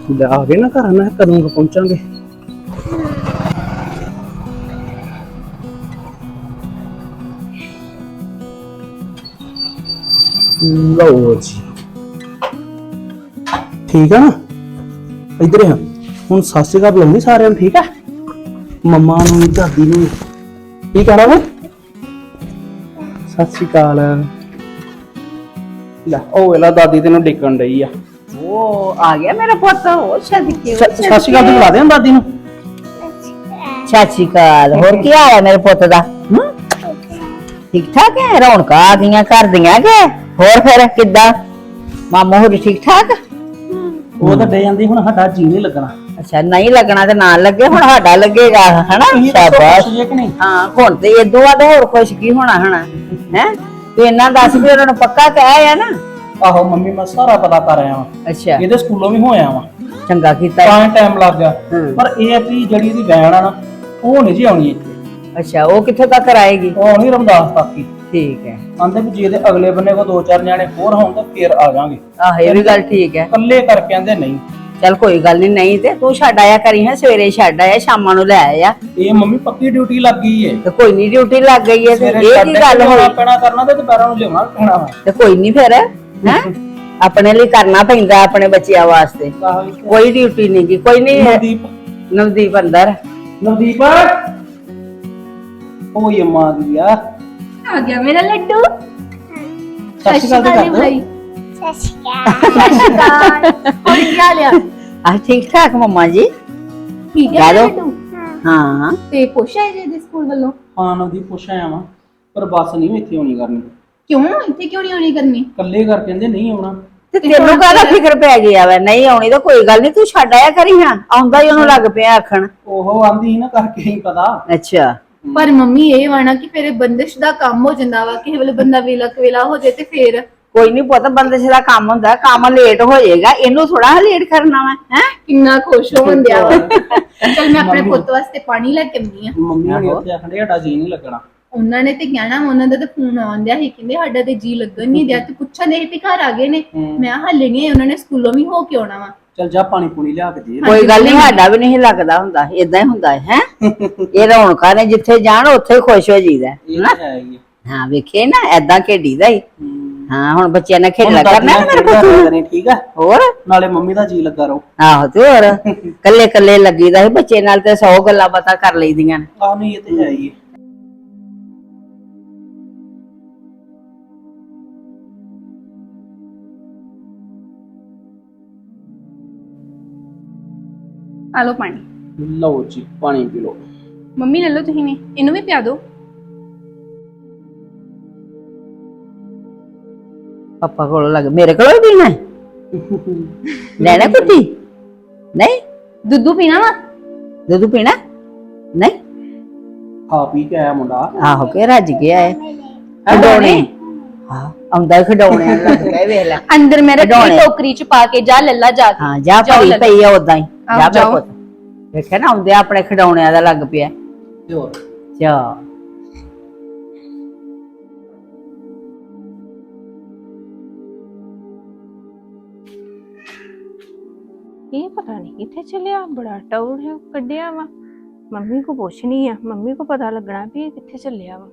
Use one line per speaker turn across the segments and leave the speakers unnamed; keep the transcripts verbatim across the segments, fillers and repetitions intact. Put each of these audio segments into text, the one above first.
ਲੈ ਆ ਗਏ ਨਾ ਘਰ, ਮੈਂ ਕਦੋਂ ਕੁ ਪਹੁੰਚਾਂਗੇ। ਲਓ ਜੀ ਠੀਕ ਆ ਨਾ, ਇੱਧਰ ਆ ਹੁਣ। ਸਤਿ ਸ਼੍ਰੀ ਅਕਾਲ ਬੁਲਾਉਂਦੀ ਸਾਰਿਆਂ ਨੂੰ, ਠੀਕ ਆ? ਮੰਮਾ ਨੂੰ, ਦਾਦੀ ਨੂੰ ਕੀ ਕਹਿਣਾ ਵਾ? ਸਤਿ ਸ਼੍ਰੀ ਅਕਾਲ। ਲੈ ਉਹ ਵੇਲਾ ਦਾਦੀ ਤੈਨੂੰ ਡਿੱਕਣ ਡਈ ਆ।
ਉਹ ਆ ਗਿਆ ਮੇਰਾ ਪੁੱਤ। ਉਹ ਛੱਡ ਕੇ
ਸਤਿ ਸ਼੍ਰੀ ਅਕਾਲ ਤੂੰ ਬੁਲਾ ਦੇ ਦਾਦੀ ਨੂੰ।
ਸਤਿ ਸ਼੍ਰੀ ਅਕਾਲ। ਹੋਰ ਕੀ ਹਾਲ ਹੈ ਮੇਰੇ ਪੁੱਤ ਦਾ? ਠੀਕ ਠਾਕ ਹੈ? ਰੌਣਕਾਂ ਆ ਗਈਆਂ ਘਰ ਦੀਆਂ ਕਿ ਹੋਰ? ਫਿਰ ਕਿੱਦਾਂ ਮਾਮੂ ਹੋਰ ਠੀਕ ਠਾਕ?
ਉਹ ਤਾਂ ਡੇ ਜਾਂਦੀ, ਹੁਣ ਸਾਡਾ ਜੀ ਨਹੀਂ ਲੱਗਣਾ।
ਅੱਛਾ, ਨਹੀਂ ਲੱਗਣਾ ਤੇ ਨਾ ਲੱਗੇ, ਹੁਣ ਸਾਡਾ ਲੱਗੇਗਾ ਹਨਾ। ਸ਼ਾਬਾਸ਼। ਹਾਂ ਹੁਣ ਤੇ ਇਦੋਂ ਬਾਅਦ ਹੋਰ ਕੁਛ ਕੀ ਹੋਣਾ ਹਨਾ ਹੈ? ਤੂੰ ਇਹਨਾਂ ਦੱਸ ਵੀ ਉਹਨਾਂ ਨੂੰ ਪੱਕਾ ਕਹਿ ਆ ਨਾ?
ਆਹੋ ਮੰਮੀ, ਮੈਂ ਸਾਰਾ ਪਤਾ ਕਰ ਆਇਆ ਵਾਂ।
ਅੱਛਾ,
ਇਹਦੇ ਸਕੂਲੋਂ ਵੀ ਹੋਇਆ ਵਾਂ।
ਚੰਗਾ ਕੀਤਾ।
ਤਾਂ ਟਾਈਮ ਲੱਗ ਗਿਆ, ਪਰ ਇਹ ਆ ਵੀ ਜਿਹੜੀ ਇਹਦੀ ਵੈਨ ਆ ਨਾ, ਉਹ ਨਹੀਂ ਜੀ ਆਉਣੀ ਇੱਥੇ।
ਅੱਛਾ, ਉਹ ਕਿੱਥੋਂ ਤੱਕ ਆਏਗੀ?
ਉਹ ਆਉਣੀ ਰਮਦਾਸ ਤੱਕ ਹੀ।
ਠੀਕ ਹੈ।
ਆਂਦੇ ਵੀ ਜੇ ਇਹਦੇ ਅਗਲੇ ਬੰਨੇ ਕੋ ਦੋ ਚਾਰ ਨਿਆਣੇ ਹੋਰ ਹੋਣ ਤਾਂ ਫੇਰ ਆ ਜਾਾਂਗੇ।
ਆਹ ਇਹ ਵੀ ਗੱਲ ਠੀਕ ਹੈ।
ਇਕੱਲੇ ਕਰਕੇ ਆਂਦੇ ਨਹੀਂ।
ਚੱਲ ਕੋਈ ਗੱਲ ਨਹੀਂ, ਨਹੀਂ ਤੇ ਤੂੰ ਛੱਡ ਆਇਆ ਕਰੀ ਹੈ, ਸਵੇਰੇ ਛੱਡ ਆਇਆ, ਸ਼ਾਮਾਂ ਨੂੰ ਲੈ ਆਇਆ।
ਇਹ ਮੰਮੀ ਪੱਕੀ ਡਿਊਟੀ ਲੱਗ ਗਈ ਏ।
ਤੇ ਕੋਈ ਨਹੀਂ, ਡਿਊਟੀ ਲੱਗ ਗਈ ਹੈ ਤੇ ਇਹ ਕੀ ਗੱਲ ਹੋਈ?
ਪੈਣਾ ਕਰਨਾ ਤੇ ਦੁਪਹਿਰਾਂ ਨੂੰ ਲਿਆਉਣਾ ਪੈਣਾ ਵਾ।
ਤੇ ਕੋਈ ਨਹੀਂ ਫਿਰ ਹੈ ਆਪਣੇ ਲਈ ਕਰਨਾ ਪੈਂਦਾ, ਆਪਣੇ ਬੱਚਿਆਂ ਵਾਸਤੇ। ਕੋਈ ਡਿਊਟੀ ਨਹੀਂ ਗੀ, ਕੋਈ ਨਹੀਂ।
ਨਵਦੀਪ,
ਨਵਦੀਪ ਅੰਦਰ।
ਨਵਦੀਪ ਓਏ ਅੰਮਾ ਦੀ ਆ
ਆ ਗਿਆ ਮੇਰਾ ਲੱਡੂ।
ਸਤਿ ਸ਼੍ਰੀ ਅਕਾਲ ਕਰ
ਭਾਈ। ਸਤਿ ਸ਼੍ਰੀ ਅਕਾਲ। ਹੋਰ ਕੀ ਹਾਲ ਆ?
ਆ ਠੀਕ ਠਾਕ ਮੰਮਾ ਜੀ?
ਠੀਕ ਹੈ ਲੱਡੂ।
ਹਾਂ
ਤੇ ਪੁੱਛਿਆ ਜੇ ਦੇ ਸਕੂਲ ਵੱਲੋਂ?
ਹਾਂ ਨਵਦੀਪ ਪੁੱਛ ਆਇਆ ਵਾਂ, ਪਰ ਬੱਸ ਨਹੀਂ ਇੱਥੇ ਆਉਣੀ ਕਰਨੀ।
ਕਿਉਂ ਇੱਥੇ ਕਿਉਂ ਨਹੀਂ ਆਉਣੀ ਕਰਨੀ?
ਇਕੱਲੇ ਕਰ ਕਹਿੰਦੇ ਨਹੀਂ ਆਉਣਾ।
ਤੇ ਤੈਨੂੰ ਕਾਹਦਾ ਫਿਕਰ ਪੈ ਗਿਆ ਵਾ? ਨਹੀਂ ਆਉਣੀ ਤਾਂ ਕੋਈ ਗੱਲ ਨਹੀਂ, ਤੂੰ ਛੱਡ ਆਇਆ ਕਰੀ। ਹਾਂ ਆਉਂਦਾ ਹੀ ਉਹਨੂੰ ਲੱਗ ਪਿਆ ਆਖਣ।
ਉਹ ਆਂਦੀ ਸੀ ਨਾ ਕਰਕੇ ਹੀ ਪਤਾ।
ਅੱਛਾ,
ਪਰ ਮੰਮੀ ਇਹ ਵਾਣਾ ਕਿ ਫਿਰ ਬੰਦਿਸ਼ ਦਾ ਕੰਮ ਹੋ ਜਾਂਦਾ ਵਾ, ਕਿਸੇ ਵੇਲੇ ਬੰਦਾ ਵੇਲਾ ਕਵੇਲਾ ਹੋ ਜਾਏ ਤੇ ਫਿਰ
ਕੋਈ ਨਹੀਂ ਪੁੱਤ, ਬੰਦਿਸ਼ ਦਾ ਕੰਮ ਹੁੰਦਾ, ਕੰਮ ਲੇਟ ਹੋ ਜਾਏਗਾ, ਇਹਨੂੰ ਥੋੜਾ ਲੇਟ ਕਰਨਾ ਵਾ ਹੈ।
ਕਿੰਨਾ ਖੁਸ਼ ਹੋਣ ਦਿਆ ਵਾ। ਚਲ ਮੈਂ ਆਪਣੇ ਪੁੱਤ ਵਾਸਤੇ ਪਾਣੀ ਲੈ ਕੇ ਆਉਂਦੀ ਆ।
ਮੰਮੀ ਨੇ ਉੱਥੇ ਆਖਣ ਡਿਆ ਸਾਡਾ ਜੀ ਨਹੀਂ ਲੱਗਣਾ।
ਉਹਨਾਂ ਨੇ ਤੇ ਕਹਿਣਾ, ਉਹਨਾਂ ਦਾ ਤਾਂ ਫੋਨ ਆਉਂਦਿਆ ਸੀ, ਕਹਿੰਦੇ ਸਾਡਾ ਤੇ ਜੀ ਲੱਗਣ ਨਹੀਂ ਦਿਆ। ਤੇ ਪੁੱਛਣ ਦੇ ਵੀ ਘਰ ਆ ਗਏ ਨੇ। ਮੈਂ ਹੱਲੇ ਨਹੀਂ, ਉਹਨਾਂ ਨੇ ਸਕੂਲੋਂ ਵੀ ਹੋ ਕੇ ਆਉਣਾ ਵਾ।
ਚਲ ਜਾ ਪਾਣੀ ਪੂਣੀ ਲਿਆ ਕੇ ਦੇ।
ਕੋਈ ਗੱਲ ਨਹੀਂ, ਸਾਡਾ ਵੀ ਨਹੀਂ ਲੱਗਦਾ ਹੁੰਦਾ, ਏਦਾਂ ਹੀ ਹੁੰਦਾ ਹੈ। ਇਹ ਰੌਣਕਾਂ ਨੇ ਜਿੱਥੇ ਜਾਣ ਉੱਥੇ ਖੁਸ਼ ਹੋ ਜਾਈਦਾ
ਹੈ।
ਹਾਂ ਵੇਖੇ ਨਾ, ਏਦਾਂ ਖੇਡੀਦਾ ਹੀ। ਹਾਂ ਹੁਣ ਬੱਚਿਆਂ ਨੇ ਖੇਡਣਾ ਕਰਨਾ ਮੇਰੇ
ਪੁੱਤ। ਠੀਕ ਆ,
ਹੋਰ
ਨਾਲੇ ਮੰਮੀ ਦਾ ਜੀ ਲੱਗਾ ਰਹੋ।
ਆਹੋ ਤੇ ਹੋਰ ਕੱਲੇ ਕੱਲੇ ਲੱਗੀਦਾ ਸੀ ਬੱਚੇ ਨਾਲ, ਤੇ ਸੌ ਗੱਲਾਂ ਬਾਤਾਂ ਕਰ ਲਈਦੀਆਂ ਨੇ।
ਆਹ ਨਹੀਂ, ਇਹ ਤੇ ਹੈ ਹੀ।
ਆ ਲਓ ਪਾਣੀ।
ਲਓ ਜੀ ਪਾਣੀ ਪੀ ਲਓ।
ਮੰਮੀ ਲੈ ਲਓ ਤੁਸੀਂ ਵੀ, ਇਹਨੂੰ ਵੀ ਪਿਆ ਦਿਓ।
ਪਾਪਾ ਕੋਲ ਲੱਗ, ਮੇਰੇ ਕੋਲ ਵੀ ਪੀਣਾ ਲੈਣਾ ਕੁੱਤੀ? ਨਹੀਂ
ਦੁੱਧੂ ਪੀਣਾ ਵਾ?
ਦੁੱਧ ਪੀਣਾ? ਨਹੀਂ
ਖਾ ਪੀ ਕੇ ਆਇਆ ਮੁੰਡਾ।
ਆਹੋ ਕੇ ਰੱਜ ਗਿਆ ਹੈ। ਖਡੌਣੇ ਹਾਂ ਆਉਂਦਾ ਖਡੌਣੇ ਲੱਗ ਗਏ, ਵੇਖ ਲੈ
ਅੰਦਰ ਮੇਰੇ ਟੋਕਰੀ ਚ ਪਾ ਕੇ ਜਾ ਲੱਲਾ ਜਾ ਕੇ।
ਹਾਂ ਜਾ ਭਰੀ ਪਈ ਆ ਉਦਾਂ ਹੀ। ਜਾ ਮੇਰੇ ਪੁੱਤ, ਵੇਖਿਆ ਨਾ ਆਉਂਦੇ ਆਪਣੇ ਖਡੌਣਿਆਂ ਦਾ ਲੱਗ ਪਿਆ।
ਤੇ ਹੋਰ
ਚਾ
ਇਹ ਪਤਾ ਨਹੀਂ ਕਿੱਥੇ ਚੱਲਿਆ, ਬੜਾ ਟੌਰ ਹੈ ਕੱਢਿਆ ਵਾ। ਮੰਮੀ ਕੋ ਪੁੱਛਣੀ ਆ, ਮੰਮੀ ਕੋ ਪਤਾ ਲੱਗਣਾ ਵੀ ਇਹ ਕਿੱਥੇ ਚੱਲਿਆ ਵਾ।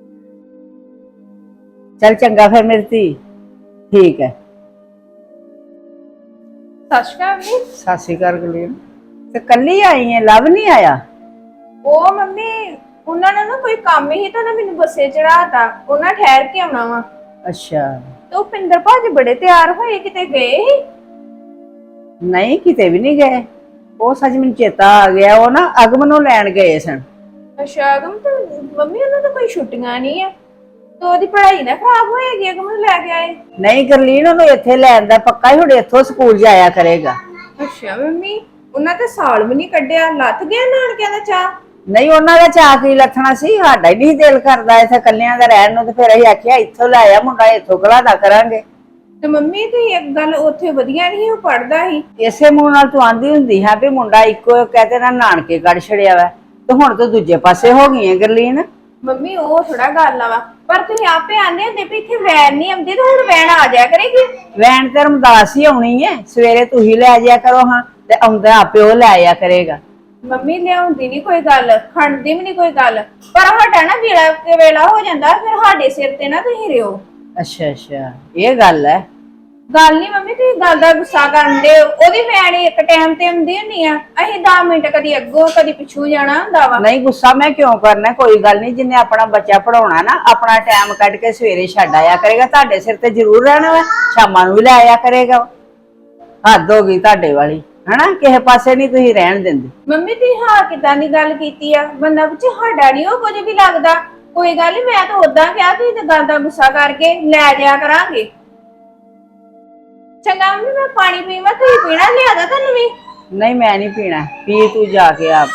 ਚੱਲ ਚੰਗਾ ਫਿਰ ਮੇਰੀ ਧੀ, ਠੀਕ ਹੈ।
ਸਤਿ ਸ਼੍ਰੀ ਅਕਾਲ ਜੀ।
ਸਤਿ ਸ਼੍ਰੀ ਅਕਾਲ ਗੁਲੀਨ। ਤੇ ਕੱਲੀ ਆਈ ਹੈ, ਲਵ ਨਹੀਂ ਆਇਆ?
ਉਹ ਮੰਮੀ ਉਹਨਾਂ ਨੇ ਨਾ ਕੋਈ ਕੰਮ ਹੀ ਤਾਂ ਨਾ ਮੈਨੂੰ ਬੱਸੇ ਚੜਾਤਾ, ਉਹਨਾਂ ਠਹਿਰ ਕੇ ਆਉਣਾ ਵਾ।
ਅੱਛਾ,
ਤੇ ਉਹ ਪਿੰਦਰ ਭਾਜੀ ਬੜੇ ਤਿਆਰ ਹੋਏ, ਕਿਤੇ ਗਏ ਸੀ?
ਨਹੀਂ ਕਿਤੇ ਵੀ ਨਹੀਂ ਗਏ। ਉਹ ਸੱਚ ਮੈਨੂੰ ਚੇਤਾ ਆ ਗਿਆ, ਉਹ ਨਾ ਅਗਮ ਨੂੰ ਲੈਣ ਗਏ ਸਨ।
ਅੱਛਾ ਅਗਮ, ਤੇ ਮੰਮੀ ਉਹਨਾਂ ਦਾ ਕੋਈ ਛੁੱਟੀਆਂ ਨਹੀਂ ਆ, ਤੇ ਉਹਦੀ ਪੜ੍ਹਾਈ ਨਾ ਖਰਾਬ ਹੋਏਗੀ, ਅਗਮ ਨੂੰ ਲੈ ਕੇ ਆਏ?
ਨਹੀਂ ਗਰਲੀਨ, ਉਹਨੂੰ ਇੱਥੇ ਲੈਣ ਦਾ ਪੱਕਾ ਹੀ, ਹੁਣ ਇੱਥੋਂ ਸਕੂਲ ਜਾਇਆ ਕਰੇਗਾ।
ਅੱਛਾ ਮੰਮੀ, ਉਹਨਾਂ ਤੇ ਸਾਲ ਵੀ ਨਹੀਂ ਕੱਢਿਆ, ਲੱਥ ਗਿਆ ਨਾਨਕਿਆਂ ਦਾ ਚਾਹ?
ਨਹੀਂ ਉਹਨਾਂ ਦਾ ਚਾਅ ਕੀ ਲੱਥਣਾ ਸੀ, ਸਾਡਾ ਹੀ ਨਹੀਂ ਦਿਲ ਕਰਦਾ ਇੱਥੇ ਕੱਲਿਆਂ ਦਾ ਰਹਿਣ ਨੂੰ, ਤੇ ਫਿਰ ਅਸੀਂ ਆਖਿਆ ਇੱਥੋਂ ਲੈ ਆ ਮੁੰਡਾ, ਇੱਥੋਂ ਘਲਾਦਾ ਕਰਾਂਗੇ।
ਤੇ ਮੰਮੀ ਤੇ ਇੱਕ ਗੱਲ ਉੱਥੇ ਵਧੀਆ ਨਹੀਂ, ਉਹ ਪੜਦਾ ਸੀ।
ਇਸੇ ਮੂੰਹ ਨਾਲ ਤੂੰ ਆਂਦੀ ਹੁੰਦੀ ਹੈ ਵੀ ਮੁੰਡਾ ਇੱਕੋ ਕਹਤੇ ਨਾ ਨਾਨਕੇ ਕੱਢ ਛੜਿਆ ਵਾ, ਤੇ ਹੁਣ ਤੂੰ ਦੂਜੇ ਪਾਸੇ ਹੋ ਗਈ ਹੈ ਗਰਲੀਨ।
ਮੰਮੀ ਉਹ ਥੋੜਾ ਗੱਲ ਆ ਵਾ, ਪਰ ਤੁਸੀਂ ਆਪੇ ਆਂਦੇ ਹੁੰਦੇ ਵੀ ਇੱਥੇ ਵੈਨ ਨਹੀਂ ਆਉਂਦੀ, ਤੇ ਹੁਣ ਵੈਨ ਆ ਜਾਇਆ ਕਰੇਗੀ।
ਵੈਨ ਤੇ ਰਮਦਾਸ ਹੀ ਆਉਣੀ ਹੈ, ਸਵੇਰੇ ਤੂੰ ਹੀ ਲੈ ਜਾਇਆ ਕਰੋ। ਹਾਂ ਤੇ ਆਉਂਦਾ ਆਪੇ ਉਹ ਲੈ ਆਇਆ ਕਰੇਗਾ।
ਮੰਮੀ ਲਿਆਉਂਦੀ ਨਹੀਂ ਕੋਈ ਗੱਲ, ਖੰਡਦੀ ਵੀ ਨਹੀਂ ਕੋਈ ਗੱਲ, ਪਰ ਸਾਡਾ ਨਾ ਵੇਲਾ ਤੇ ਵੇਲਾ ਹੋ ਜਾਂਦਾ, ਫਿਰ ਸਾਡੇ ਸਿਰ ਤੇ ਨਾ ਤੁਸੀਂ ਰਿਓ।
ਅੱਛਾ ਅੱਛਾ, ਇਹ ਗੱਲ ਹੈ।
ਗੱਲ ਨਹੀਂ ਮੰਮੀ, ਤੁਸੀਂ ਗੱਲ ਦਾ ਗੁੱਸਾ ਕਰਨ ਦੇ। ਉਹਦੀ ਮੈਂ ਨੀ ਇੱਕ ਟਾਈਮ ਤੇ ਆਉਂਦੀ ਹੁੰਦੀ ਆ, ਅਸੀਂ ਦਸ ਮਿੰਟ ਕਦੀ ਅੱਗੋਂ ਕਦੀ ਪਿੱਛੋਂ ਜਾਣਾ ਹੁੰਦਾ ਵਾ।
ਨਹੀਂ ਗੁੱਸਾ ਮੈਂ ਕਿਉਂ ਕਰਨਾ, ਕੋਈ ਗੱਲ ਨਹੀਂ। ਜਿੰਨੇ ਆਪਣਾ ਬੱਚਾ ਪੜਾਉਣਾ ਨਾ ਆਪਣਾ ਟਾਈਮ ਕੱਢ ਕੇ ਸਵੇਰੇ ਛੱਡ ਆਇਆ ਕਰੇਗਾ। ਤੁਹਾਡੇ ਸਿਰ ਤੇ ਜ਼ਰੂਰ ਰਹਿਣਾ ਵਾ, ਸ਼ਾਮਾਂ ਨੂੰ ਵੀ ਲੈ ਆਇਆ ਕਰੇਗਾ। ਹੱਦ ਹੋ ਗਈ ਤੁਹਾਡੇ ਵਾਲੀ, ਹਨਾ? ਕਿਸੇ ਪਾਸੇ ਨਹੀਂ ਤੁਸੀਂ ਰਹਿਣ ਦਿੰਦੇ।
ਮੰਮੀ ਤੁਸੀਂ ਹਾਂ ਕਿਦਾਂ ਦੀ ਗੱਲ ਕੀਤੀ ਆ, ਬੰਦਾ ਪੁੱਛੇ ਸਾਡਾ ਨੀ ਉਹ ਕੁਝ ਵੀ ਲੱਗਦਾ। ਕੋਈ ਗੱਲ ਨੀ, ਮੈਂ ਤਾਂ ਉਦਾਂ ਕਿਹਾ, ਤੁਸੀਂ ਤੇ ਗੱਲ ਦਾ ਗੁੱਸਾ ਕਰਕੇ ਲੈ ਜਾਇਆ ਕਰਾਂਗੇ। ਚੰਗਾ ਮੰਮੀ, ਮੈਂ ਪਾਣੀ ਪੀਵਾਂ, ਤੁਸੀਂ ਪੀਣਾ? ਲਿਆਦਾ ਤੁਹਾਨੂੰ ਵੀ?
ਨਹੀਂ ਮੈਂ ਨਹੀਂ ਪੀਣਾ, ਪੀ ਤੂੰ ਜਾ ਕੇ ਆਪ।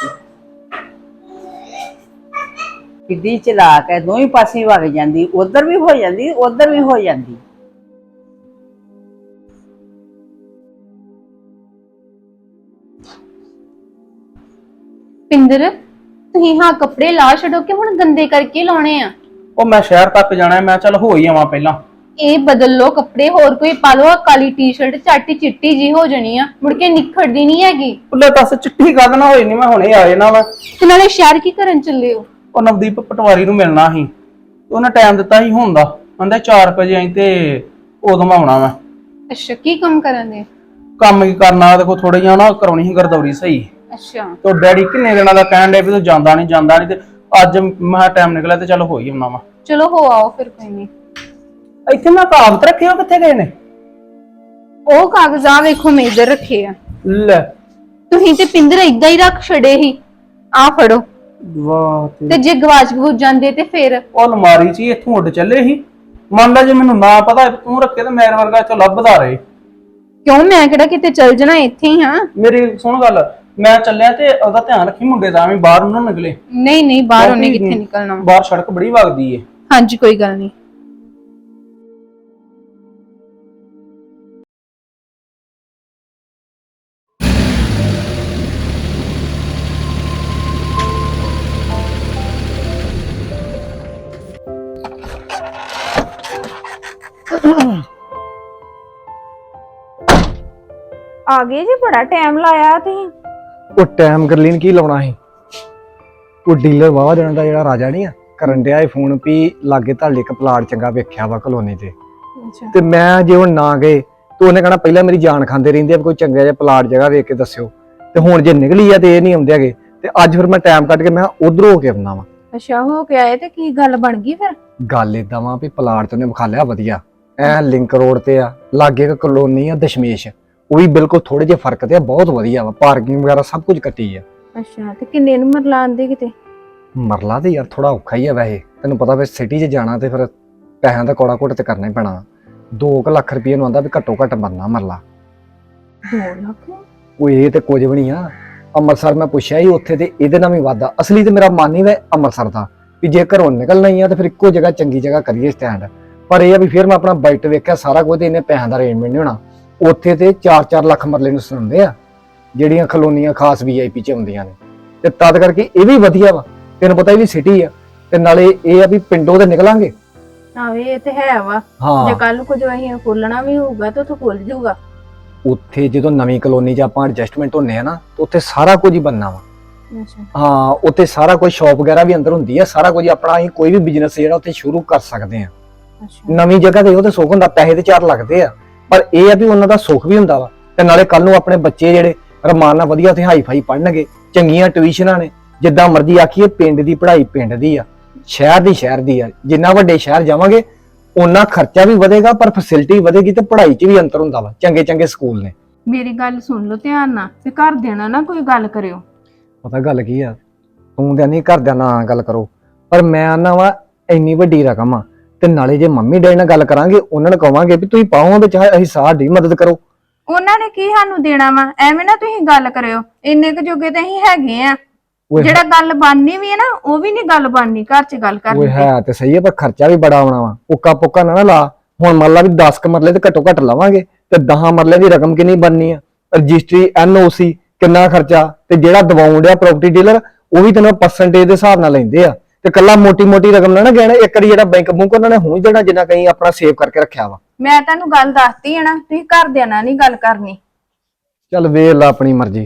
ਕਿੱਡੀ ਚਲਾਕ ਹੈ, ਦੋਵੇਂ ਪਾਸੇ ਵਗ ਜਾਂਦੀ, ਉਧਰ ਵੀ ਹੋ ਜਾਂਦੀ ਉਧਰ ਵੀ ਹੋ ਜਾਂਦੀ।
ਪਿੰਦਰ, ਤੁਸੀਂ ਹਾਂ ਕੱਪੜੇ ਲਾ ਛੱਡੋ ਕਿ ਹੁਣ ਗੰਦੇ ਕਰਕੇ ਲਾਉਣੇ ਆ?
ਉਹ ਮੈਂ ਸ਼ਹਿਰ ਤੱਕ ਜਾਣਾ, ਮੈਂ ਚੱਲ ਹੋ ਹੀ ਆਵਾਂ ਪਹਿਲਾਂ।
ਇਹ ਬਦਲ ਲੋ ਕੱਪੜੇ, ਹੋਰ ਕੋਈ ਪਾ ਲੋ। ਕਾਲੀ ਟੀ-ਸ਼ਰਟ ਚਾਟੀ ਚਿੱਟੀ ਜੀ ਹੋ ਜਾਣੀ ਆ, ਮੁੜ ਕੇ ਨਿਖੜਦੀ ਨਹੀਂ ਹੈਗੀ।
ਉੱਲੇ ਦੱਸ ਚਿੱਟੀ ਗੱਲ ਨਾ ਹੋਈ ਨਹੀਂ, ਮੈਂ ਹੁਣੇ ਆਏ ਨਾ ਵਾ।
ਤੇ ਨਾਲੇ ਸ਼ਹਿਰ ਕੀ ਕਰਨ ਚੱਲੇ ਹੋ?
ਉਹ ਨਵਦੀਪ ਪਟਵਾਰੀ ਨੂੰ ਮਿਲਣਾ ਸੀ, ਉਹਨੇ ਟਾਈਮ ਦਿੱਤਾ ਸੀ ਹੁਣ ਦਾ, ਕਹਿੰਦਾ ਚਾਰ ਵਜੇ ਆਈ ਤੇ ਉਦੋਂ ਮੈਂ ਆਉਣਾ ਵਾ।
ਅੱਛਾ, ਕੀ ਕੰਮ ਕਰਨ ਦੇ?
ਕੰਮ ਕੀ ਕਰਨਾ, ਦੇਖੋ ਥੋੜੀ ਜਿਹਾ ਨਾ ਕਰਾਉਣੀ ਸੀ ਗਰਦੌਰੀ ਸਹੀ।
ਅੱਛਾ,
ਤੇ ਡੈਡੀ ਕਿੰਨੇ ਦਿਨਾਂ ਦਾ ਕਹਿਣ ਡੇ ਵੀ ਤੂੰ ਜਾਂਦਾ ਨਹੀਂ ਜਾਂਦਾ ਨਹੀਂ, ਤੇ ਅੱਜ ਮੈਂ ਟਾਈਮ ਨਿਕਲਿਆ ਤੇ ਚੱਲ ਹੋ ਹੀ ਆਉਣਾ ਵਾ।
ਚਲੋ ਹੋ ਆਓ ਫਿਰ, ਕੋਈ ਨਹੀਂ।
ਇੱਥੇ ਮੈਂ ਕਾਗਜ਼ ਰੱਖੇ, ਉਹ ਕਿੱਥੇ ਗਏ ਨੇ?
ਉਹ ਕਾਗਜ਼ਾਂ ਵੇਖੋ ਮੈਂ ਇੱਧਰ ਰੱਖੇ ਆ।
ਲੈ
ਤੁਸੀਂ ਤੇ ਪਿੰਦਰ ਏਦਾਂ ਹੀ ਰੱਖ ਛੜੇ ਹੀ। ਆ ਫੜੋ।
ਵਾਹ,
ਤੇ ਜੇ ਗਵਾਚ ਗੂਚ ਜਾਂਦੇ ਤੇ ਫਿਰ?
ਉਹ ਅਲਮਾਰੀ 'ਚ ਹੀ ਇੱਥੋਂ ਉੱਡ ਚੱਲੇ ਸੀ। ਮੰਨ ਲਾ ਜੇ ਮੈਨੂੰ ਨਾ ਪਤਾ ਤੂੰ ਰੱਖੇ ਤੇ ਮੇਰੇ ਵਰਗਾ ਇੱਥੋਂ ਲੱਭਦਾ ਰਹੇ।
ਕਿਉਂ, ਮੈਂ ਕਿਹੜਾ ਕਿਤੇ ਚੱਲ ਜਾਣਾ, ਇੱਥੇ ਹੀ ਹਾਂ।
ਮੇਰੀ ਸੁਣ ਗੱਲ, ਮੈਂ ਚੱਲਿਆ ਤੇ ਉਹਦਾ ਧਿਆਨ ਰੱਖੀ ਮੁੰਡੇ ਦਾ, ਐਵੇਂ ਬਾਹਰ ਨੂੰ ਨਾ ਨਿਕਲੇ।
ਨਹੀਂ ਨਹੀਂ, ਬਾਹਰ ਉਹਨੇ ਕਿੱਥੇ ਨਿਕਲਣਾ।
ਬਾਹਰ ਸੜਕ ਬੜੀ ਵਗਦੀ ਏ।
ਹਾਂਜੀ, ਕੋਈ ਗੱਲ ਨਹੀਂ।
ਆ ਗਏ ਜੀ, ਬੜਾ ਟਾਈਮ ਲਾਇਆ ਤੁਸੀਂ।
ਉਹ ਟਾਈਮ ਗਰਲੀਨ ਕੀ ਲਾਉਣਾ ਸੀ? ਉਹ ਡੀਲਰ ਵਾਵਾ ਦੇਣਾ ਦਾ ਜਿਹੜਾ ਰਾਜਾ ਨਹੀਂ ਆ, ਕਰਨ ਡਿਆ ਇਹ ਫੋਨ ਵੀ ਲਾਗੇ ਤੁਹਾਡੇ ਇੱਕ ਪਲਾਟ ਚੰਗਾ ਵੇਖਿਆ ਵਾ ਕਲੋਨੀ ਤੇ। ਤੇ ਮੈਂ ਜੇ ਹੁਣ ਨਾ ਗਏ ਤੇ ਉਹਨੇ ਕਹਣਾ ਪਹਿਲਾਂ ਮੇਰੀ ਜਾਨ ਖਾਂਦੇ ਰਹਿੰਦੇ ਆ, ਕੋਈ ਚੰਗਾ ਜਿਹਾ ਪਲਾਟ ਜਗ੍ਹਾ ਵੇਖ ਕੇ ਦੱਸਿਓ। ਤੇ ਹੁਣ ਜੇ ਨਿਕਲੀ ਆ ਤੇ ਇਹ ਨਹੀਂ ਆਉਂਦੇ ਹੈਗੇ, ਤੇ ਅੱਜ ਫਿਰ ਮੈਂ ਟਾਈਮ ਕੱਢ ਕੇ ਮੈਂ ਉਧਰੋਂ ਹੋ ਕੇ ਆਉਣਾ ਵਾ।
ਅੱਛਾ, ਹੋ ਕੇ ਆਏ ਤੇ ਕੀ ਗੱਲ ਬਣ ਗਈ ਫਿਰ?
ਗੱਲ ਏਦਾਂ ਵਾ ਵੀ ਪਲਾਟ ਤੇ ਉਹਨੇ ਵਿਖਾ ਲਿਆ ਵਧੀਆ, ਐ ਲਿੰਕ ਰੋਡ ਤੇ ਆ, ਲਾਗੇ ਇੱਕ ਕਲੋਨੀ ਆ ਦਸ਼ਮੇਸ਼, ਉਹ ਵੀ ਬਿਲਕੁਲ ਥੋੜੇ ਜਿਹੇ ਫਰਕ ਤੇ ਆ, ਬਹੁਤ ਵਧੀਆ ਵਾ, ਪਾਰਕਿੰਗ ਵਗੈਰਾ ਸਭ ਕੁਝ ਕੱਟੀ ਆ।
ਅੱਛਾ, ਤੇ ਕਿੰਨੇ ਨੂੰ ਮਰਲਾ ਆਂਦੇ ਕਿਤੇ?
ਮਰਲਾ ਤੇ ਯਾਰ ਥੋੜਾ ਔਖਾ ਹੀ ਆ ਵੈਸੇ, ਤੈਨੂੰ ਪਤਾ ਵੇ ਸਿਟੀ 'ਚ ਜਾਣਾ ਤੇ ਫਿਰ ਪੈਸਿਆਂ ਦਾ ਕੋੜਾ ਘੁੱਟ ਤੇ ਕਰਨਾ ਹੀ ਪੈਣਾ। ਦੋ ਕੁ ਲੱਖ ਰੁਪਏ ਨੂੰ ਆਂਦਾ ਵੀ ਘੱਟੋ ਘੱਟ ਬਣਨਾ ਮਰਲਾ।
ਦੋ ਲੱਖ?
ਉਹ ਇਹ ਤੇ ਕੁਝ ਵੀ ਨਹੀਂ ਆ। ਅੰਮ੍ਰਿਤਸਰ ਮੈਂ ਪੁੱਛਿਆ ਸੀ, ਉੱਥੇ ਤੇ ਇਹਦੇ ਨਾਲ ਵੀ ਵਾਧਾ। ਅਸਲੀ ਤੇ ਮੇਰਾ ਮਨ ਹੀ ਵੇ ਅੰਮ੍ਰਿਤਸਰ ਦਾ, ਵੀ ਜੇ ਘਰੋਂ ਨਿਕਲਣਾ ਹੀ ਆ ਤੇ ਫਿਰ ਇੱਕੋ ਜਗ੍ਹਾ ਚੰਗੀ ਜਗ੍ਹਾ ਕਰੀਏ ਸਟੈਂਡ। ਪਰ ਇਹ ਆ ਵੀ ਫਿਰ ਮੈਂ ਆਪਣਾ ਬਜਟ ਵੇਖਿਆ ਸਾਰਾ ਕੁਝ, ਤੇ ਇਹਨੇ ਪੈਸਿਆਂ ਦਾ ਅਰੇਂਜਮੈਂਟ ਨਹੀਂ ਹੋਣਾ। ਉੱਥੇ ਤੇ ਚਾਰ ਚਾਰ ਲੱਖ ਮਰਲੇ ਨੂੰ ਸੁਣਦੇ ਆ, ਜਿਹੜੀਆਂ ਕਲੋਨੀਆਂ ਖਾਸ ਵੀ ਆਈ ਪੀ 'ਚ ਆਉਂਦੀਆਂ ਨੇ। ਤੇ ਤਦ ਕਰਕੇ ਇਹ ਵੀ ਵਧੀਆ ਵਾ, ਤੈਨੂੰ ਪਤਾ ਇਹ ਵੀ ਸਿਟੀ ਆ, ਤੇ ਨਾਲੇ ਇਹ ਆ ਵੀ ਪਿੰਡੋਂ ਤੇ ਨਿਕਲਾਂਗੇ।
ਆਵੇ ਇਹ ਤੇ ਹੈ ਵਾ, ਜੇ ਕੱਲ ਨੂੰ ਕੁਝ ਅਸੀਂ ਖੋਲਣਾ ਵੀ ਹੋਊਗਾ ਤਾਂ ਉੱਥੇ ਖੁੱਲ ਜਾਊਗਾ।
ਉੱਥੇ ਜਦੋਂ ਨਵੀਂ ਕਲੋਨੀ 'ਚ ਆਪਾਂ ਐਡਜਸਟਮੈਂਟ ਹੁੰਨੇ ਆ ਨਾ, ਤੇ ਉੱਥੇ ਸਾਰਾ ਕੁਝ ਹੀ ਬਣਨਾ ਵਾ।
ਅੱਛਾ,
ਹਾਂ, ਉੱਥੇ ਸਾਰਾ ਕੁਝ ਸ਼ਾਪ ਵਗੈਰਾ ਵੀ ਅੰਦਰ ਹੁੰਦੀ ਆ, ਸਾਰਾ ਕੁਝ ਆਪਣਾ ਅਸੀਂ ਕੋਈ ਵੀ ਬਿਜ਼ਨਸ ਜਿਹੜਾ ਉੱਥੇ ਸ਼ੁਰੂ ਕਰ ਸਕਦੇ ਆ।
ਅੱਛਾ,
ਨਵੀਂ ਜਗ੍ਹਾ ਤੇ ਉਹ ਤੇ ਸੁੱਖ ਹੁੰਦਾ, ਪੈਸੇ ਤੇ ਚਾਰ ਲੱਗਦੇ ਆ, ਪਰ ਇਹ ਆ ਵੀ ਉਹਨਾਂ ਦਾ ਸੁੱਖ ਵੀ ਹੁੰਦਾ ਵਾ। ਤੇ ਨਾਲੇ ਕੱਲ ਨੂੰ ਆਪਣੇ ਬੱਚੇ ਜਿਹੜੇ ਰਮਾਨ ਨਾਲ ਵਧੀਆ ਉੱਥੇ ਹਾਈ ਫਾਈ ਪੜ੍ਹਨਗੇ, ਚੰਗੀਆਂ ਟਿਊਸ਼ਨਾਂ ਨੇ। ਜਿੱਦਾਂ ਮਰਜ਼ੀ ਆਖੀਏ, ਪਿੰਡ ਦੀ ਪੜ੍ਹਾਈ ਪਿੰਡ ਦੀ ਆ, ਸ਼ਹਿਰ ਦੀ ਸ਼ਹਿਰ ਦੀ ਆ। ਜਿੰਨਾ ਵੱਡੇ ਸ਼ਹਿਰ ਜਾਵਾਂਗੇ ਉਹਨਾਂ ਖਰਚਾ ਵੀ ਵਧੇਗਾ, ਪਰ ਫੈਸਿਲਿਟੀ ਵਧੇਗੀ, ਤੇ ਪੜ੍ਹਾਈ 'ਚ ਵੀ ਅੰਤਰ ਹੁੰਦਾ ਵਾ। ਚੰਗੇ ਚੰਗੇ ਸਕੂਲ ਨੇ।
ਮੇਰੀ ਗੱਲ ਸੁਣ ਲਓ ਧਿਆਨ ਨਾਲ, ਤੇ ਘਰ ਦੇਣਾ ਨਾ ਕੋਈ ਗੱਲ ਕਰਿਓ।
ਪਤਾ ਗੱਲ ਕੀ ਆ, ਤੂੰ ਤੇ ਨਹੀਂ ਘਰਦਿਆਂ ਨਾਲ ਗੱਲ ਕਰੋ, ਪਰ ਮੈਂ ਆਨਾ ਵਾ ਇੰਨੀ ਵੱਡੀ ਰਕਮ ਆ, ਤੇ ਨਾਲੇ ਜੇ ਮੰਮੀ ਡੈਡੀ ਨਾਲ ਗੱਲ ਕਰਾਂਗੇ, ਉਹਨਾਂ ਨੂੰ ਕਵਾਂਗੇ ਵੀ ਤੁਸੀਂ ਪਾਓ ਵਿੱਚ, ਅਸੀਂ ਸਾਡੀ ਮਦਦ ਕਰੋ।
ਉਹਨਾਂ ਨੇ ਕੀ ਸਾਨੂੰ ਦੇਣਾ ਵਾ? ਐਵੇਂ ਨਾ ਤੁਸੀਂ ਗੱਲ ਕਰਿਓ, ਇੰਨੇ ਕੁ ਜੋਗੇ ਤਾਂ ਅਸੀਂ ਹੈਗੇ ਆ। ਜਿਹੜਾ ਗੱਲ ਬਣਨੀ ਵੀ ਹੈ ਨਾ, ਉਹ ਵੀ ਨਹੀਂ ਗੱਲ ਬਣਨੀ ਘਰ 'ਚ ਗੱਲ ਕਰਨੀ।
ਉਹ ਹੈ ਤੇ ਸਹੀ ਹੈ, ਪਰ ਖਰਚਾ ਵੀ ਬੜਾ ਆਉਣਾ ਵਾ। ਉੱਕਾ ਪੁੱਕਾ ਨਾ ਨਾ ਲਾ। ਹੁਣ ਮੰਨ ਲਾ ਵੀ ਦਸ ਕ ਮਰਲੇ ਤੇ ਘੱਟੋ ਘੱਟ ਲਵਾਂਗੇ, ਤੇ ਦਸ ਮਰਲੇ ਦੀ ਰਕਮ ਕਿੰਨੀ ਬਣਨੀ ਆ? ਰਜਿਸਟਰੀ, ਐਨ ਓ ਸੀ, ਕਿੰਨਾ ਖਰਚਾ, ਤੇ ਜਿਹੜਾ ਦਵਾਉਣ ਡਿਆ ਪ੍ਰਾਪਰਟੀ ਡੀਲਰ, ਉਹ ਵੀ ਤੈਨੂੰ ਪਰਸੈਂਟੇਜ ਦੇ ਹਿਸਾਬ ਨਾਲ ਲੈਂਦੇ ਆ। ਤੇ ਕੱਲਾ ਮੋਟੀ ਮੋਟੀ ਰਕਮ ਨਾ ਨਾ ਕਹਿਣਾ, ਇੱਕ ਵਾਰੀ ਜਿਹੜਾ ਬੈਂਕ ਬੁੰਕ ਉਹਨਾਂ ਨੇ ਹੁਣ ਦੇਣਾ, ਜਿੰਨਾ ਕਹੀਂ ਆਪਣਾ ਸੇਵ ਕਰਕੇ ਰੱਖਿਆ ਵਾ।
ਮੈਂ ਤੁਹਾਨੂੰ ਗੱਲ ਦੱਸਤੀ ਹੈ ਨਾ, ਤੁਸੀਂ ਘਰਦਿਆਂ ਨਾਲ ਨਹੀਂ ਗੱਲ ਕਰਨੀ।
ਚੱਲ ਵੇਖ ਲਾ ਆਪਣੀ ਮਰਜ਼ੀ।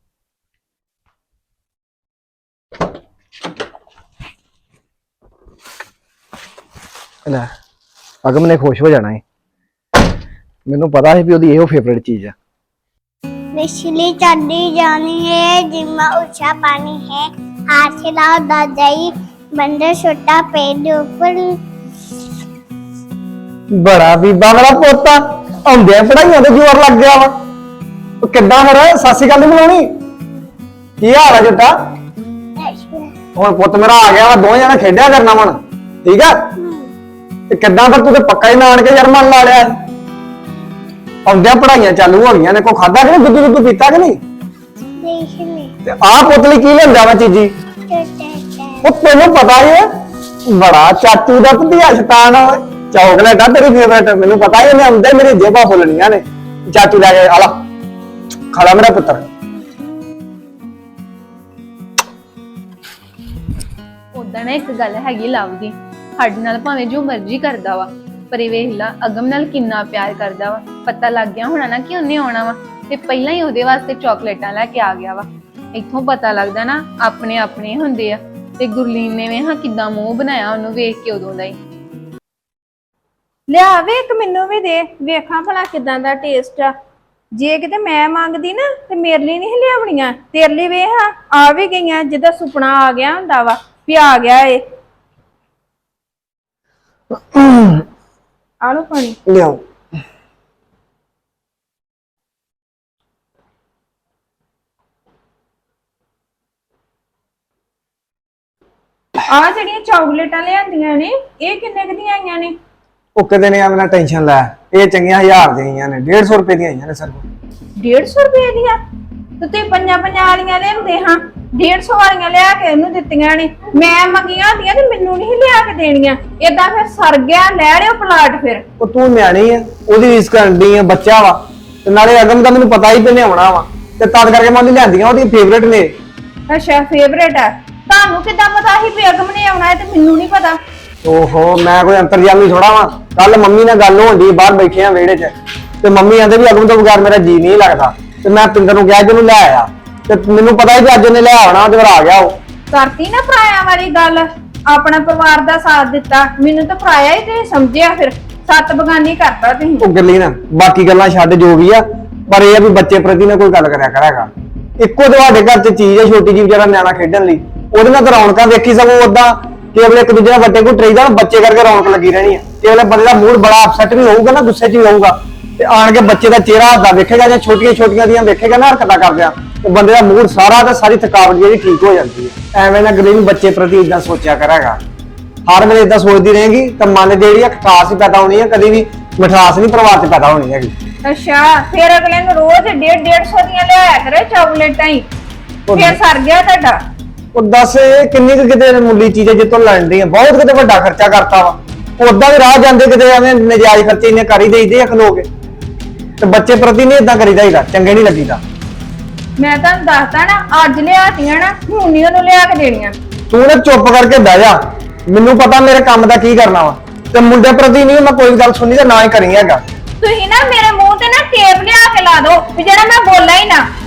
ਲੈ ਅਗਮ ਨੇ ਖੁਸ਼ ਹੋ ਜਾਣਾ ਹੈ। ਮੈਨੂੰ ਪਤਾ ਸੀ ਵੀ ਉਹਦੀ ਇਹੋ ਫੇਵਰੇਟ ਚੀਜ਼ ਆ।
बिजली चढ़ी जानी है जिम्मा ऊंचा पानी है हाथ हिलाओ दादाई बंदर छोटा पेड़ ऊपर
ਬੜਾ ਬੀਬਾ ਮੇਰਾ ਪੋਤਾ ਆਉਂਦਿਆਂ ਪੜਾਈਆਂ ਤੇ ਜ਼ੋਰ ਲੱਗ ਗਿਆ ਵਾ। ਉਹ ਕਿੱਦਾਂ ਫਿਰ ਸਤਿ ਸ਼੍ਰੀ ਅਕਾਲ ਨੀ ਬੁਲਾਉਣੀ? ਕੀ ਹਾਲ ਆ ਜੱਟਾ? ਹੁਣ ਪੁੱਤ ਮੇਰਾ ਆ ਗਿਆ ਵਾ, ਦੋਵੇਂ ਜਣੇ ਖੇਡਿਆ ਕਰਨਾ ਹੁਣ ਠੀਕ ਆ। ਤੇ ਕਿੱਦਾਂ ਫਿਰ ਤੂੰ ਤੇ ਪੱਕਾ ਹੀ ਨਾਨ ਕੇ ਯਾਰ ਮਨ ਲਾ ਲਿਆ। ਆਉਂਦਿਆਂ ਪੜਾਈਆਂ ਚਾਲੂ ਹੋ ਗਈਆਂ ਨੇ, ਕੋਈ ਖਾਦਾ ਕਿ ਨਹੀਂ, ਦੁੱਧ ਦੁੱਧ ਪੀਤਾ ਕਿ ਨਹੀਂ? ਤੇ ਆਹ ਪੁੱਤ ਲਈ ਕੀ ਲੈਂਦਾ ਵਾ ਚੀਜੀ? ਉਹ ਤੈਨੂੰ ਪਤਾ ਹੀ ਹੈ ਬੜਾ ਚਾਚੂ ਦਾ ਭਤੀਆ ਸ਼ੈਤਾਨ ਆ। ਚੌਕਲੇਟ ਆ ਤੇਰੀ ਫੇਵਰੇਟ, ਮੈਨੂੰ ਪਤਾ ਹੀ ਉਹਨੇ ਆਉਂਦੇ ਮੇਰੀ ਜੇਬਾਂ ਫੁੱਲਣੀਆਂ ਨੇ। ਚਾਚੂ ਲੈ ਕੇ ਆ ਲਾ, ਖਾਲਾ ਮੇਰਾ ਪੁੱਤਰ।
ਉਦਾਂ ਨਾ ਇੱਕ ਗੱਲ ਹੈਗੀ ਲਵ ਦੀ, ਸਾਡੇ ਨਾਲ ਭਾਵੇਂ ਜੋ ਮਰਜ਼ੀ ਕਰਦਾ ਵਾ, ਪਰ ਇਹ ਵੇਖ ਲਾ ਅਗਮ ਨਾਲ ਕਿੰਨਾ ਪਿਆਰ ਕਰਦਾ ਵਾ। ਪਤਾ ਲੱਗ ਗਿਆ ਹੋਣਾ ਨਾ ਕਿ ਉਹਨੇ ਆਉਣਾ ਵਾ, ਤੇ ਪਹਿਲਾਂ ਹੀ ਉਹਦੇ ਵਾਸਤੇ ਚਾਕਲੇਟਾਂ ਲੈ ਕੇ ਆ ਗਿਆ ਵਾ। ਇੱਥੋਂ ਪਤਾ ਲੱਗਦਾ ਨਾ ਆਪਣੇ ਆਪਣੇ ਹੁੰਦੇ ਆ। ਤੇ ਗੁਰਲੀਨ ਨੇ ਵੇ ਹਾਂ ਕਿੱਦਾਂ ਮੂੰਹ ਬਣਾਇਆ ਉਹਨੂੰ ਵੇਖ ਕੇ ਉਦੋਂ ਦਾ ਹੀ।
ਲਿਆ ਵੇ ਇੱਕ ਮੈਨੂੰ ਵੀ ਦੇ, ਵੇਖਾਂ ਭਲਾ ਕਿਦਾਂ ਦਾ ਟੇਸਟ ਆ। ਜੇ ਕਿਤੇ ਮੈਂ ਮੰਗਦੀ ਨਾ ਤੇ ਮੇਰੇ ਲਈ ਨਹੀਂ ਲਿਆਉਣੀਆਂ, ਤੇਰੇ ਲਈ ਵੇ ਹਾਂ ਆ ਵੀ ਗਈਆਂ, ਜਿੱਦਾਂ ਸੁਪਨਾ ਆ ਗਿਆ ਹੁੰਦਾ ਵਾ ਵੀ ਆ ਗਿਆ ਏ। ਆ ਲੋ ਪਾਣੀ
ਲਿਆਓ।
ਆ ਜਿਹੜੀਆਂ ਚਾਕਲੇਟਾਂ ਲਿਆਂਦੀਆਂ ਨੇ ਇਹ ਕਿੰਨੇ ਕੁ ਦੀਆਂ ਆਈਆਂ ਨੇ?
ਉਹ ਕਿਤੇ ਨੇ ਐਵੇਂ ਟੈਨਸ਼ਨ ਲੈ, ਇਹ ਚੰਗੀਆਂ ਹਜ਼ਾਰ ਦੀਆਂ ਆਈਆਂ ਨੇ, ਡੇਢ ਸੌ ਰੁਪਏ ਦੀਆਂ ਆਈਆਂ ਨੇ ਸਰ।
ਡੇਢ ਸੌ ਰੁਪਏ ਦੀਆਂ? ਤੇ ਤੁਸੀਂ ਪੰਜਾਂ ਪੰਜਾਂ ਵਾਲੀਆਂ ਲਿਆਉਂਦੇ ਹਾਂ, ਡੇਢ ਸੌ ਵਾਲੀਆਂ ਲਿਆ ਕੇ ਇਹਨੂੰ ਦਿੱਤੀਆਂ ਨੇ। ਮੈਂ ਮੰਗੀਆਂ ਹੁੰਦੀਆਂ ਤੇ ਮੈਨੂੰ ਨਹੀਂ ਲਿਆ ਕੇ ਦੇਣੀਆਂ। ਏਦਾਂ ਫਿਰ ਸਰ ਗਿਆ, ਲੈ ਲਿਓ ਪਲਾਟ ਫਿਰ।
ਉਹ ਤੂੰ ਨਿਆਣੀ ਆ, ਉਹਦੀ ਰੀਸ ਕਰਨ ਦੀ ਆ, ਬੱਚਾ ਵਾ। ਤੇ ਨਾਲੇ ਅਗਮ ਦਾ ਮੈਨੂੰ ਪਤਾ ਹੀ ਤੇ ਲਿਆਉਣਾ ਵਾ, ਤੇ ਤਦ ਕਰਕੇ ਮੈਂ ਉਹਦੀ ਲਿਆਂਦੀਆਂ, ਉਹਦੀ ਫੇਵਰੇਟ ਨੇ।
ਅੱਛਾ ਫੇਵਰੇਟ ਆ। ਤੁਹਾਨੂੰ ਕਿੱਦਾਂ ਪਤਾ ਸੀ ਵੀ ਅਗਮ ਨੇ ਆਉਣਾ ਹੈ ਤੇ ਮੈਨੂੰ ਨਹੀਂ ਪਤਾ?
ਓਹੋ ਮੈਂ ਕੋਈ ਅੰਤਰਜਾਮੀ ਥੋੜਾ ਵਾਂ। ਕੱਲ ਮੰਮੀ ਨਾਲ ਗੱਲ ਹੋਣੀ, ਬਾਹਰ ਬੈਠੇ ਆ ਵਿਹੜੇ 'ਚ, ਤੇ ਮੰਮੀ ਕਹਿੰਦੇ ਵੀ ਅਗਮ ਤੋਂ ਬਗੈਰ ਮੇਰਾ ਜੀ ਨਹੀਂ ਲੱਗਦਾ। ਤੇ ਮੈਂ ਪਿੰਦਰ ਨੂੰ ਕਿਹਾ ਕਿ ਉਹਨੂੰ ਲੈ ਆਇਆ, ਤੇ ਮੈਨੂੰ ਪਤਾ ਹੀ ਕਿ ਅੱਜ ਉਹਨੇ ਲੈ ਆਉਣਾ, ਤੇ ਫਿਰ ਆ ਗਿਆ ਉਹ।
ਕਰਤੀ ਨਾ ਪਰਾਇਆ ਵਾਲੀ ਗੱਲ, ਆਪਣਾ ਪਰਿਵਾਰ ਦਾ ਸਾਥ ਦਿੱਤਾ, ਮੈਨੂੰ ਤਾਂ ਪਰਾਇਆ ਹੀ ਤੇ ਸਮਝਿਆ, ਫਿਰ ਸੱਤ ਬਗਾਨੀ ਕਰਤਾ ਤੁਸੀਂ।
ਉਹ ਗੱਲੀ ਨਾ ਬਾਕੀ ਗੱਲਾਂ ਛੱਡ ਜੋ ਵੀ ਆ, ਪਰ ਇਹ ਆ ਵੀ ਬੱਚੇ ਪ੍ਰਤੀ ਨਾ ਕੋਈ ਗੱਲ ਕਰਿਆ ਕਰਾਂਗਾ। ਇੱਕੋ ਤੁਹਾਡੇ ਘਰ 'ਚ ਚੀਜ਼ ਹੈ ਛੋਟੀ ਜਿਹੀ ਵਿਚਾਰਾ ਨਿਆਣਾ ਖੇਡਣ ਲਈ, ਉਹਦੇ ਨਾਲ ਤਾਂ ਰੌਣਕਾਂ ਵੇਖੀ ਸਗੋਂ ਓਦਾਂ ਕੇਵਲ ਇੱਕ ਦੂਜੇ ਨਾਲ ਵੱਡੇ ਕੋਈ ਟਰੇਦਾ ਬੱਚੇ ਕਰਕੇ ਰੌਣਕ ਲੱਗੀ ਰਹਿਣੀ ਹੈ। ਕੇਵਲ ਬੰਦੇ ਦਾ ਮੂਡ ਬੜਾ ਅਪਸੈਟ ਵੀ ਹੋਊਗਾ ਨਾ, ਗੁੱਸੇ 'ਚ ਵੀ ਹੋਊਗਾ, ਤੇ ਆਣ ਕੇ ਬੱਚੇ ਦਾ ਚਿਹਰਾ ਹੱਦਾ ਵੇਖੇਗਾ ਜਾਂ ਛੋਟੀਆਂ ਛੋਟੀਆਂ ਦੀਆਂ ਵੇਖੇਗਾ ਨਾ ਹਰਕਤਾਂ ਕਰਦਿਆਂ, ਤੇ ਬੰਦੇ ਦਾ ਮੂਡ ਸਾਰਾ ਤੇ ਸਾਰੀ ਥਕਾਵਟ ਜਿਹੜੀ ਠੀਕ ਹੋ ਜਾਂਦੀ ਹੈ। ਐਵੇਂ ਨਾ ਗਰੀਬ ਬੱਚੇ ਪ੍ਰਤੀ ਇਦਾਂ ਸੋਚਿਆ ਕਰਾਂਗਾ, ਹਰ ਵੇਲੇ ਇਦਾਂ ਸੋਚਦੀ ਰਹੇਗੀ ਤਾਂ ਮਨ ਜਿਹੜੀ ਆ ਖਟਾਸ ਹੀ ਪੈਦਾ ਹੋਣੀ ਹੈ, ਕਦੀ ਵੀ ਮਿਠਾਸ ਨਹੀਂ ਪਰਿਵਾਰ 'ਚ ਪੈਦਾ ਹੋਣੀ ਹੈਗੀ।
ਅੱਛਾ ਫਿਰ ਅਗਲੇ ਨੂੰ ਰੋਜ਼ ਡੇਢ ਡੇਢ ਸੌ ਦੀਆਂ ਲਿਆਇਆ ਕਰੇ ਚਾਕਲੇਟਾਂ ਹੀ, ਫਿਰ ਸਰ ਗਿਆ ਤੁਹਾਡਾ।
ਉਹ ਦੱਸ ਇਹ ਕਿੰਨੀ ਕੁ ਕਿਤੇ ਮੁੱਲੀ ਚੀਜ਼ ਹੈ ਜਿੱਤੋਂ ਲੈਂਦੀ ਆ, ਬਹੁਤ ਕਿਤੇ ਵੱਡਾ ਖਰਚਾ ਕਰਤਾ ਵਾ। ਉਦਾਂ ਵੀ ਰਾਹ ਜਾਂਦੇ ਕਿਤੇ ਐਵੇਂ ਨਜਾਇਜ਼ ਖਰਚੇ ਇੰਨੇ ਕਰ ਹੀ ਦੇਈਦੇ ਆ ਖਲੋ ਕੇ, ਤੇ ਬੱਚੇ ਪ੍ਰਤੀ ਨਹੀਂ ਇਦਾਂ ਕਰੀਦਾ ਹੀਦਾ, ਚੰਗੇ ਨਹੀਂ ਲੱਗੀਦਾ।
ਮੈਂ ਤੁਹਾਨੂੰ ਦੱਸਦਾ ਨਾ, ਅੱਜ ਲਿਆਤੀਆਂ ਨਾ ਹੁਣ ਨਹੀਂ ਉਹਨੂੰ ਲਿਆ ਕੇ ਦੇਣੀਆਂ।
ਤੂੰ ਨਾ ਚੁੱਪ ਕਰਕੇ ਬਹਿ ਜਾ, ਮੈਨੂੰ ਪਤਾ ਮੇਰੇ ਕੰਮ ਦਾ ਕੀ ਕਰਨਾ ਵਾ, ਤੇ ਮੁੰਡੇ ਪ੍ਰਤੀ ਨਹੀਂ ਮੈਂ ਕੋਈ ਗੱਲ ਸੁਣੀ ਤੇ ਨਾ ਹੀ ਕਰੀ ਹੈਗਾ।
ਤੁਸੀਂ ਨਾ ਮੇਰੇ ਮੂੰਹ ਤੇ ਨਾ ਟੇਪ ਲਿਆ ਕੇ ਲਾ ਦਿਓ ਵੀ ਜਿਹੜਾ ਮੈਂ ਬੋਲਾਂ ਹੀ ਨਾ।